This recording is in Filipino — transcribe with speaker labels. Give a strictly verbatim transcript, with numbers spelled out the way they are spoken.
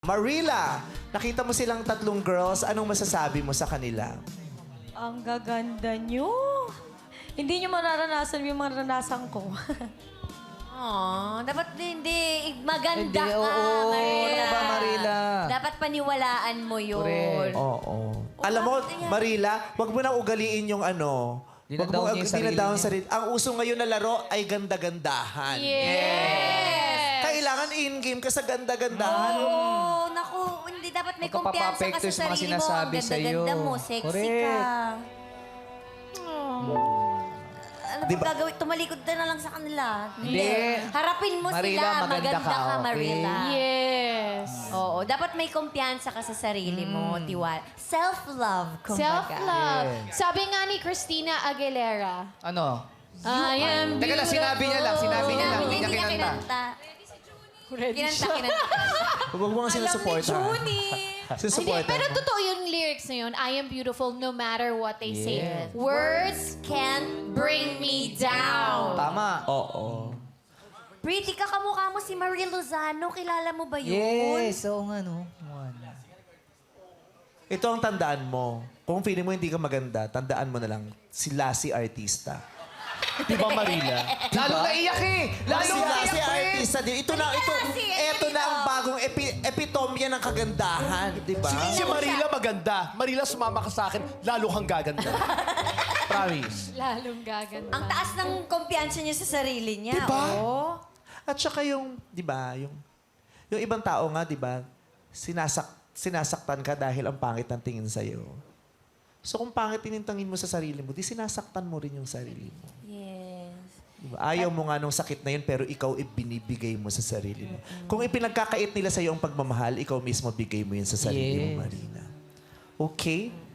Speaker 1: Marila, nakita mo silang tatlong girls. Anong masasabi mo sa kanila?
Speaker 2: Ang gaganda nyo. Hindi nyo mararanasan yung maranasan ko.
Speaker 3: Aww, dapat hindi. Maganda
Speaker 4: Hindi,
Speaker 3: ka,
Speaker 4: oo.
Speaker 3: Marila.
Speaker 4: Ano ba, Marila?
Speaker 3: Dapat paniwalaan mo yun.
Speaker 4: Correct.
Speaker 1: Oo. Alam mo,
Speaker 3: bakit yan?
Speaker 1: Marila, wag mo na ugaliin yung ano. Wag mo
Speaker 4: Dinadown niya yung sarili
Speaker 1: dinadown
Speaker 4: niya.
Speaker 1: sarili. Ang uso ngayon na laro ay ganda-gandahan.
Speaker 2: Yes!
Speaker 1: Kailangan in-game ka sa ganda-gandahan.
Speaker 3: Oo, naku, hindi dapat may kumpiyansa ka
Speaker 4: Magpapapekto
Speaker 3: sa
Speaker 4: yung mga
Speaker 3: sarili mo. Ang
Speaker 4: sinasabi
Speaker 3: ganda-ganda
Speaker 4: sa'yo.
Speaker 3: mo, sexy
Speaker 4: Correct.
Speaker 3: ka. Ano
Speaker 1: Di
Speaker 3: ba
Speaker 1: ba-
Speaker 3: gagawin? Tumalikod ka na lang sa kanila.
Speaker 4: Hindi.
Speaker 3: Harapin mo
Speaker 4: Marila,
Speaker 3: sila.
Speaker 4: maganda
Speaker 3: Maganda
Speaker 4: ka,
Speaker 3: ka,
Speaker 4: okay?
Speaker 3: Marila.
Speaker 2: Yes!
Speaker 3: Oo, dapat may kumpiyansa ka sa sarili mo, tiwala. Self-love, kumbaga.
Speaker 5: Self-love.
Speaker 4: Yeah.
Speaker 5: Sabi nga ni Christina Aguilera,
Speaker 4: Ano?
Speaker 2: I am
Speaker 4: Teka lang, sinabi niya lang. Sinabi niya lang.
Speaker 3: Sinabi
Speaker 4: Hindi
Speaker 3: niya,
Speaker 4: niya
Speaker 3: hindi niya
Speaker 4: kinanta.
Speaker 3: kinanta. Kinanta, kinanta.
Speaker 1: Huwag mo nga sinusupport, ha?
Speaker 3: Junie.
Speaker 5: hindi,
Speaker 1: Sinusupport,
Speaker 5: pero totoo yung lyrics na yun, I am beautiful no matter what they say.
Speaker 4: Yeah.
Speaker 5: Words
Speaker 3: Can't
Speaker 5: bring me down.
Speaker 4: Tama.
Speaker 1: Oo.
Speaker 3: Pretty ka, kamukha mo si Marie Lozano. Kilala mo ba yun?
Speaker 4: Yes, oo nga, no. One.
Speaker 1: Ito ang tandaan mo. Kung feeling mo hindi ka maganda, tandaan mo na lang, sila si artista.
Speaker 6: Di ba, Marila?
Speaker 4: Lalo naiyak eh! Lalo
Speaker 1: Sila
Speaker 4: naiyak
Speaker 1: si
Speaker 4: eh!
Speaker 1: artista din. Ito na, ito,
Speaker 3: si
Speaker 1: ito na ang bagong epi, epitomya ng kagandahan, di ba?
Speaker 6: Si Marila maganda. Marila, sumama ka sa akin, lalo kang gaganda. Promise.
Speaker 5: Lalong gaganda.
Speaker 3: Ang taas ng kumpiyansa niya sa sarili niya.
Speaker 6: Diba?
Speaker 3: Oo.
Speaker 1: At saka yung, di ba, yung, yung ibang tao nga, di ba, sinasak, sinasaktan ka dahil ang pangit ng tingin sa'yo. So kung pangit tinintangin mo sa sarili mo, di sinasaktan mo rin yung sarili mo.
Speaker 3: Yes.
Speaker 1: Diba? Ayaw mo nga nung sakit na yun, pero ikaw ibinibigay mo sa sarili mo. Kung ipinagkakait nila sa'yo ang pagmamahal, ikaw mismo bigay mo yun sa sarili mo,
Speaker 4: Yes.
Speaker 1: Marina. Okay?